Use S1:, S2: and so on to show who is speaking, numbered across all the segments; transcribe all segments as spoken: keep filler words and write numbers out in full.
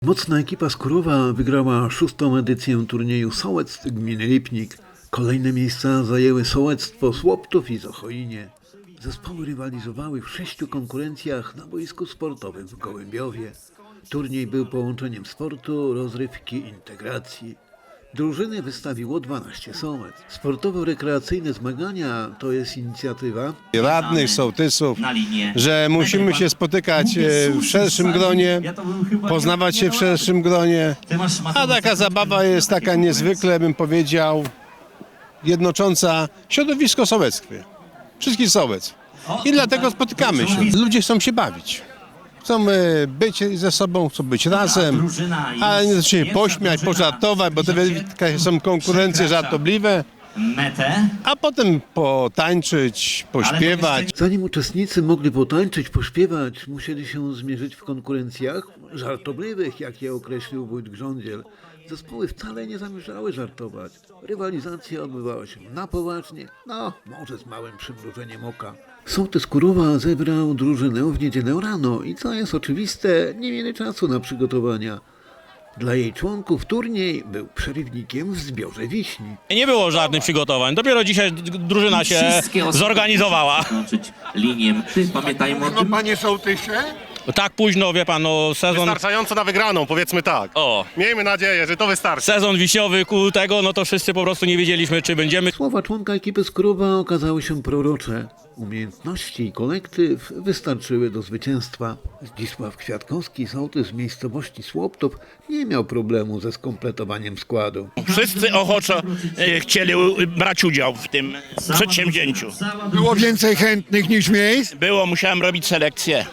S1: Mocna ekipa z Kurowa wygrała szóstą edycję turnieju sołectw gminy Lipnik. Kolejne miejsca zajęły sołectwo Słoptów i Zochoinie. Zespoły rywalizowały w sześciu konkurencjach na boisku sportowym w Gołębiowie. Turniej był połączeniem sportu, rozrywki i integracji. Drużyny wystawiło dwanaście sołectw. Sportowo-rekreacyjne zmagania to jest inicjatywa
S2: radnych, sołtysów, że musimy się spotykać w szerszym gronie, poznawać się w szerszym gronie, a taka zabawa jest taka niezwykle, bym powiedział, jednocząca środowisko sołeckie, wszystkich sołectw. I dlatego spotykamy się. Ludzie chcą się bawić. Chcą być ze sobą, chcą być razem, ale nie się pośmiać, pożartować, bo te są konkurencje żartobliwe, a potem potańczyć, pośpiewać.
S1: Zanim uczestnicy mogli potańczyć, pośpiewać, musieli się zmierzyć w konkurencjach żartobliwych, jak je określił wójt Grządziel. Zespoły wcale nie zamierzały żartować. Rywalizacja odbywała się na poważnie, no może z małym przymrużeniem oka. Sołtys Kurowa zebrał drużynę w niedzielę rano i co jest oczywiste, nie mieli czasu na przygotowania. Dla jej członków turniej był przerywnikiem w zbiorze wiśni.
S3: Nie było żadnych przygotowań, dopiero dzisiaj drużyna się zorganizowała.
S4: Pamiętajmy o tym.
S5: No panie sołtysie?
S3: Tak późno, wie pan, no sezon,
S6: Wystarczająco na wygraną, powiedzmy tak.
S3: o,
S6: Miejmy nadzieję, że to wystarczy.
S3: sezon wiśniowy ku tego, no to wszyscy po prostu nie wiedzieliśmy, czy będziemy.
S1: Słowa członka ekipy z Kurowa okazały się prorocze. Umiejętności i kolektyw wystarczyły do zwycięstwa. Zdzisław Kwiatkowski, sołtys z miejscowości Słoptów, nie miał problemu ze skompletowaniem składu.
S7: Wszyscy ochoczo e, chcieli u- brać udział w tym przedsięwzięciu.
S5: Było więcej chętnych niż miejsc?
S7: Było, musiałem robić selekcję.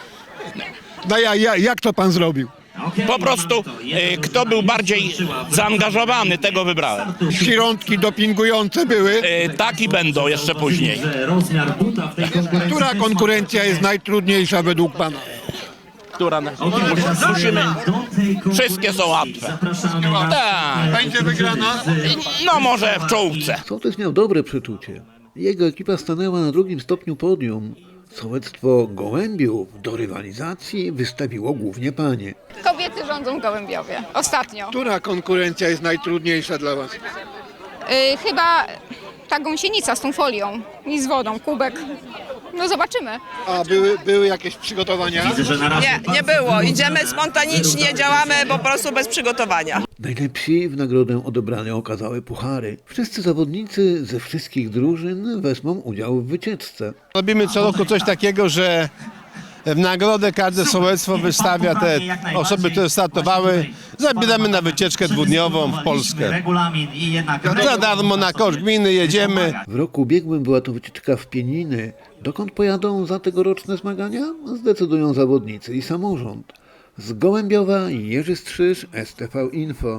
S5: No ja, ja, jak to pan zrobił?
S7: Po prostu e, kto był bardziej zaangażowany, tego wybrałem.
S5: Środki dopingujące były.
S7: E, tak i będą jeszcze później.
S5: Która konkurencja jest najtrudniejsza według pana?
S7: Która na... Musimy... Wszystkie są łatwe. Tak.
S5: Będzie wygrana?
S7: No może w czołówce.
S1: Sołtys miał dobre przeczucie. Jego ekipa stanęła na drugim stopniu podium. Sołectwo Gołębiów do rywalizacji wystawiło głównie panie.
S8: Kobiety rządzą w Gołębiowie. Ostatnio.
S5: Która konkurencja jest najtrudniejsza dla was?
S8: Yy, chyba ta gąsienica z tą folią i z wodą, kubek. No zobaczymy.
S5: A były, były jakieś przygotowania?
S9: Nie, nie było. Idziemy spontanicznie, działamy po prostu bez przygotowania.
S1: Najlepsi w nagrodę odebrane okazały puchary. Wszyscy zawodnicy ze wszystkich drużyn wezmą udział w wycieczce.
S2: Robimy co roku coś takiego, że w nagrodę każde sołectwo wystawia te osoby, które startowały. Zabieramy na wycieczkę dwudniową w Polskę. Za darmo na koszt gminy jedziemy.
S1: W roku ubiegłym była to wycieczka w Pieniny. Dokąd pojadą za tegoroczne zmagania? Zdecydują zawodnicy i samorząd. Z Gołębiowa Jerzy Strzyż, S T V Info.